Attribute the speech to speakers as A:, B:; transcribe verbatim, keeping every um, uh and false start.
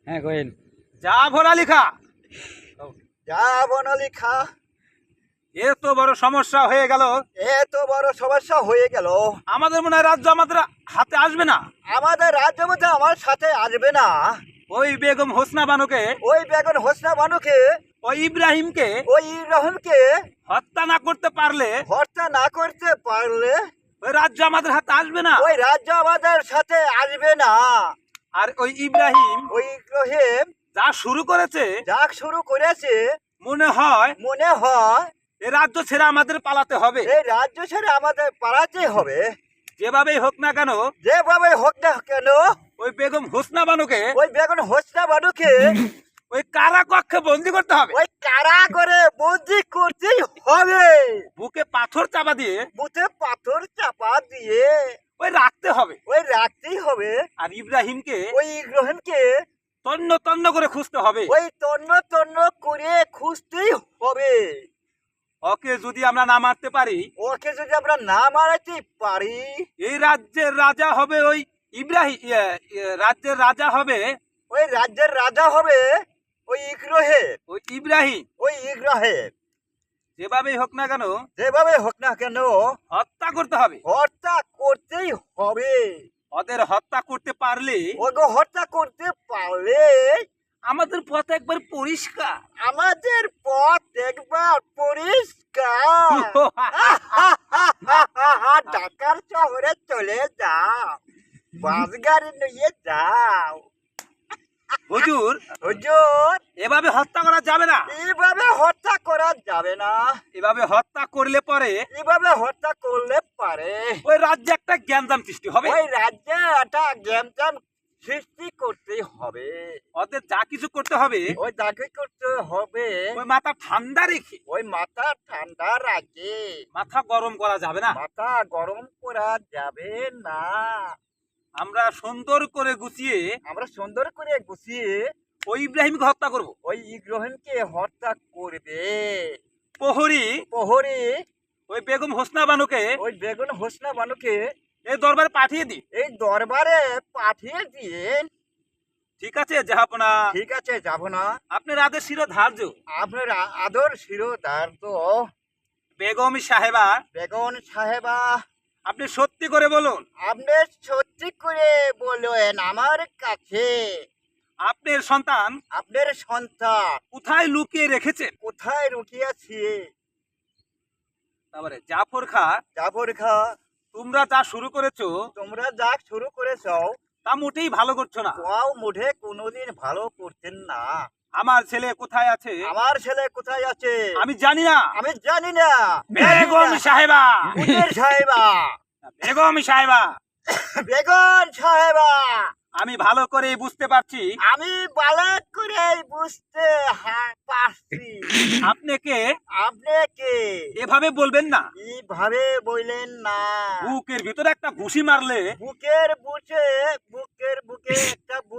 A: হ্যাঁ কইন।
B: জাফর আলী খা,
C: জাফর আলী খা,
B: এত বড় সমস্যা হয়ে গেল,
C: এত বড় সমস্যা হয়ে গেল।
B: আমাদের মনে হয় রাজ্য আমাদের হাতে আসবে না।
C: আমাদের রাজ্য মধ্যে আমার সাথে আসবে না।
B: ওই বেগম হোসনা বানুকে,
C: ওই বেগম হোসনা বানুকে,
B: ওই ইব্রাহিমকে
C: ওই ইব্রাহিমকে
B: হত্যা না করতে পারলে
C: হত্যা না করতে পারলে
B: ওই রাজ্য আমাদের হাতে আসবে না।
C: ওই রাজ্য আমাদের সাথে আসবে না।
B: আর ওই ইব্রাহিম
C: ওই ইব্রাহিম
B: যা শুরু করেছে,
C: যা শুরু করেছে,
B: মনে হয়
C: মনে হয়
B: এই রাজ্য ছেড়ে আমাদের পালাতে হবে।
C: এই রাজ্য ছেড়ে আমাদের পালাতে হবে।
B: যেভাবেই হোক না কেন
C: যেভাবে হোক না কেন
B: ওই বেগম হোসনা বানুকে
C: ওই বেগম হোসনা বানুকে
B: ওই কারা কক্ষে বন্দি করতে হবে।
C: ওই কারা করে বন্দি করতেই হবে।
B: বুকে পাথর চাপা দিয়ে
C: বুতে পাথর চাপা দিয়ে
B: ওই রাখতে হবে।
C: ওই রাখতেই হবে।
B: আর ইব্রাহিমকে
C: ওই গ্রহণকে
B: তন্ন তন্ন করে খুঁজতে হবে।
C: ওই তন্ন তন্ন করে খুঁজতেই হবে।
B: ওকে যদি আমরা না মারতে পারি,
C: ওকে যদি আমরা না মারাতে পারি,
B: এই রাজ্যের রাজা হবে ওই ইব্রাহিম, রাজ্যের রাজা হবে
C: ওই রাজ্যের রাজা হবে ওই ইগ্রহের,
B: ওই ইব্রাহিম।
C: ওই ইগ্রহের।
B: যেভাবেই হোক না কেন
C: যেভাবে হোক না কেন
B: হত্যা করতে হবে।
C: হত্যা করতেই হবে।
B: ওদের হত্যা করতে পারলে
C: ওকে হত্যা করতে পারলে
B: আমাদের পথ একবার পরিষ্কার।
C: আমাদের পথ একবার পরিষ্কার। ঢাকার শহরে চলে যাও, বাস গাড়ি নিয়ে যাও।
B: হুজুর,
C: হুজুর,
B: এভাবে হত্যা করা যাবে না।
C: এইভাবে হত্যা করা যাবে না।
B: এভাবে হত্যা করলে পরে
C: এইভাবে হত্যা করলে পারে
B: ওই রাজ্যে একটা জ্ঞানদাম সৃষ্টি হবে।
C: ওই রাজ্যে একটা জ্ঞান সৃষ্টি করতে হবে।
B: ওদের যা কিছু করতে হবে
C: ওই চাকরি করতে হবে।
B: ওই মাথা ঠান্ডা রেখে,
C: ওই মাথা ঠান্ডা রাখে।
B: মাথা গরম করা যাবে না।
C: মাথা গরম করা যাবে না।
B: আমরা সুন্দর করে গুছিয়ে
C: আমরা সুন্দর করে গুছিয়ে
B: ওই ইব্রাহিমকে হত্যা করব।
C: ওই ইগ্রহণকে হত্যা করবে।
B: প্রহরী
C: প্রহরী
B: ওই বেগম হোসনা বানুকে
C: ওই বেগুন হোসনা বানুকে
B: এই দরবারে পাঠিয়ে দিই।
C: এই দরবারে পাঠিয়ে দিয়ে,
B: ঠিক আছে জাহাপনা,
C: ঠিক আছে যাব না।
B: আপনার আদেশ ছিল ধার্য।
C: আপনার আ- আদর শিরোধার তো
B: বেগম সাহেবা,
C: বেগম সাহেবা,
B: আপনি সত্যি করে বলুন,
C: আপনি সত্যি করে বলেন আমার কাছে
B: আপনার সন্তান
C: আপনার সন্তান
B: কোথায় লুকিয়ে রেখেছেন।
C: কোথায় রুকিয়াছি।
B: তারপরে জাফর খা,
C: জাফর খা,
B: তোমরা যা শুরু করেছো
C: তোমরা যা শুরু করেছ
B: তা মোটেই ভালো করছো না।
C: তাও মুঠে কোনোদিন ভালো করছেন না।
B: আমার ছেলে কোথায় আছে
C: আমার ছেলে কোথায় আছে
B: আমি জানি না।
C: আমি জানি না।
B: বেগম সাহেবা,
C: উজির সাহেবা,
B: বেগম সাহেবা,
C: বেগম সাহেবা,
B: আমি ভালো করে বুঝতে পারছি
C: আমি ভালো করে বুঝতে হা- পারছি।
B: আপনাকে
C: আপনাকে
B: এভাবে বলবেন না।
C: এইভাবে বললেন না।
B: বুকের ভিতরে একটা ঘুষি মারলে
C: বুকের বুকে বুকের বুকে একটা